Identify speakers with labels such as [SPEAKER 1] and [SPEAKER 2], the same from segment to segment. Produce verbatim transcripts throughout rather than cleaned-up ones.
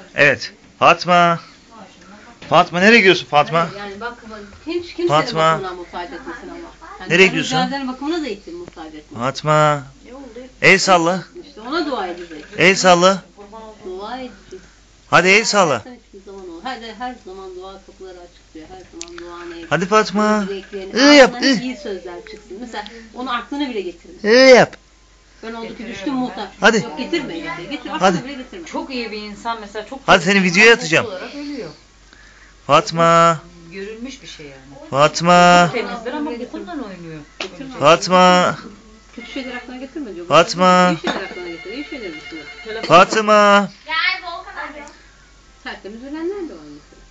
[SPEAKER 1] Evet. Fatma. Fatma nereye gidiyorsun Fatma?
[SPEAKER 2] Yani bak hiç kimsenin
[SPEAKER 1] Fatma.
[SPEAKER 2] bakımına muhtaç etmesin Allah. Yani
[SPEAKER 1] Nereye gidiyorsun?
[SPEAKER 2] Rüzgarların bakımına da etsin muhtaç etmesin.
[SPEAKER 1] Fatma.
[SPEAKER 2] Ne oldu?
[SPEAKER 1] El salla.
[SPEAKER 2] İşte ona dua edecek.
[SPEAKER 1] El salla.
[SPEAKER 2] Dua edecek.
[SPEAKER 1] Hadi el salla.
[SPEAKER 2] Hiçbir zaman olur. Hadi her zaman dua kapıları açık diyor. Her zaman duanı et.
[SPEAKER 1] Hadi Fatma.
[SPEAKER 2] Dileklerini,
[SPEAKER 1] I yap.
[SPEAKER 2] ağzından
[SPEAKER 1] I.
[SPEAKER 2] iyi sözler çıksın. Mesela onu aklına bile getirme.
[SPEAKER 1] I yap.
[SPEAKER 2] Ben oldu ki düştüm muhtaç.
[SPEAKER 1] Hadi.
[SPEAKER 2] Yok getirme. Getir. Getir.
[SPEAKER 1] Hadi.
[SPEAKER 2] Aklına bile getirme.
[SPEAKER 3] Çok iyi bir insan mesela çok.
[SPEAKER 1] Hadi seni videoya atacağım.
[SPEAKER 3] Olarak ölüyor.
[SPEAKER 1] Fatma.
[SPEAKER 3] Görülmüş bir şey yani.
[SPEAKER 1] Fatma.
[SPEAKER 3] Temizdir ama bukundan oynuyor.
[SPEAKER 1] Fatma.
[SPEAKER 2] Kötü şeyler aklına getirme diyor.
[SPEAKER 1] Fatma.
[SPEAKER 2] İyi şeyler aklına getir. İyi şeyler düşünür.
[SPEAKER 1] Fatma.
[SPEAKER 2] Tertemiz ölenler de var mesela.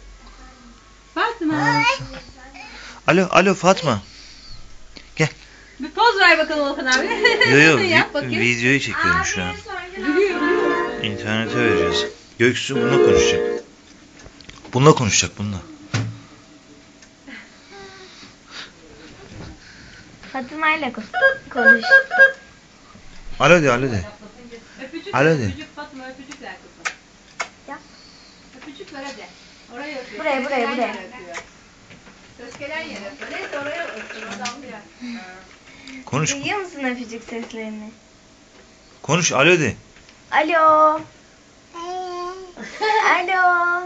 [SPEAKER 2] Fatma.
[SPEAKER 1] Alo, alo Fatma. Gel.
[SPEAKER 2] Bir poz ver bakalım Volkan abi.
[SPEAKER 1] Yo yo
[SPEAKER 2] Yap
[SPEAKER 1] vi-
[SPEAKER 2] bakayım.
[SPEAKER 1] videoyu çekiyorum şu an.
[SPEAKER 2] Gülüyor, gülüyor.
[SPEAKER 1] İnternete vereceğiz. Göksu bununla konuşacak. Bununla konuşacak bununla.
[SPEAKER 4] Fatma ile konuş.
[SPEAKER 1] Alo de alo de.
[SPEAKER 2] Öpücük,
[SPEAKER 1] Alo de.
[SPEAKER 2] öpücük Fatma, öpücük ver kızım.
[SPEAKER 4] Yap.
[SPEAKER 2] Öpücük ver hadi. Oraya öpüyor.
[SPEAKER 4] Buraya, buraya,
[SPEAKER 2] Ses
[SPEAKER 4] buraya.
[SPEAKER 2] gelen yere öpüyor. Ses gelen yere öpüyor. Neyse oraya öpüyor. Oradan bir yer.
[SPEAKER 1] Konuş.
[SPEAKER 4] Duyuyor musun öpücük seslerini?
[SPEAKER 1] Konuş alo de.
[SPEAKER 4] Alo. Alo.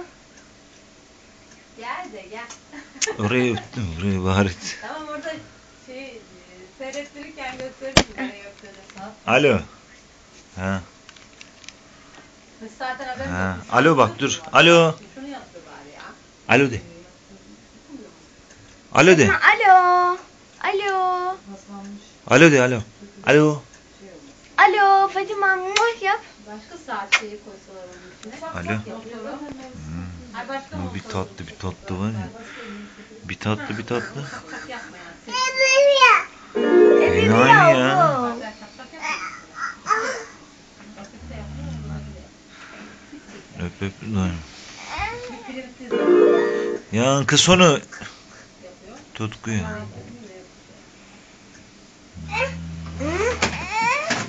[SPEAKER 2] Gel de gel.
[SPEAKER 1] Oraya öptüm. Buraya bari.
[SPEAKER 2] Tamam orada şey e, seyrettirirken gösteririm nereye öptüğünü.
[SPEAKER 1] Alo. Ha.
[SPEAKER 2] Biz zaten haberim
[SPEAKER 1] Ha.
[SPEAKER 2] yok.
[SPEAKER 1] Alo bak dur. Alo.
[SPEAKER 2] Şunu yaptı bari ya.
[SPEAKER 1] Alo de. Alo de.
[SPEAKER 4] Alo. Alo.
[SPEAKER 1] Alo de alo. Alo.
[SPEAKER 4] Alo Fatima muh yap.
[SPEAKER 2] Başka saat şeyi koysalar onun içine.
[SPEAKER 1] Alo.
[SPEAKER 2] Hmm. Ay başka
[SPEAKER 1] Bu bir tatlı bir tatlı var ya. Bir tatlı bir tatlı.
[SPEAKER 2] şapak yapma yani.
[SPEAKER 4] Dedi
[SPEAKER 1] aynı ya.
[SPEAKER 4] oğlum.
[SPEAKER 1] Öp öp. Dur. Yankı sonu. Tutku ya.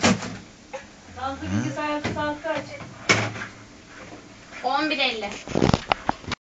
[SPEAKER 2] Sağlıklı bilgisayar saat kaç?
[SPEAKER 4] on bir elli.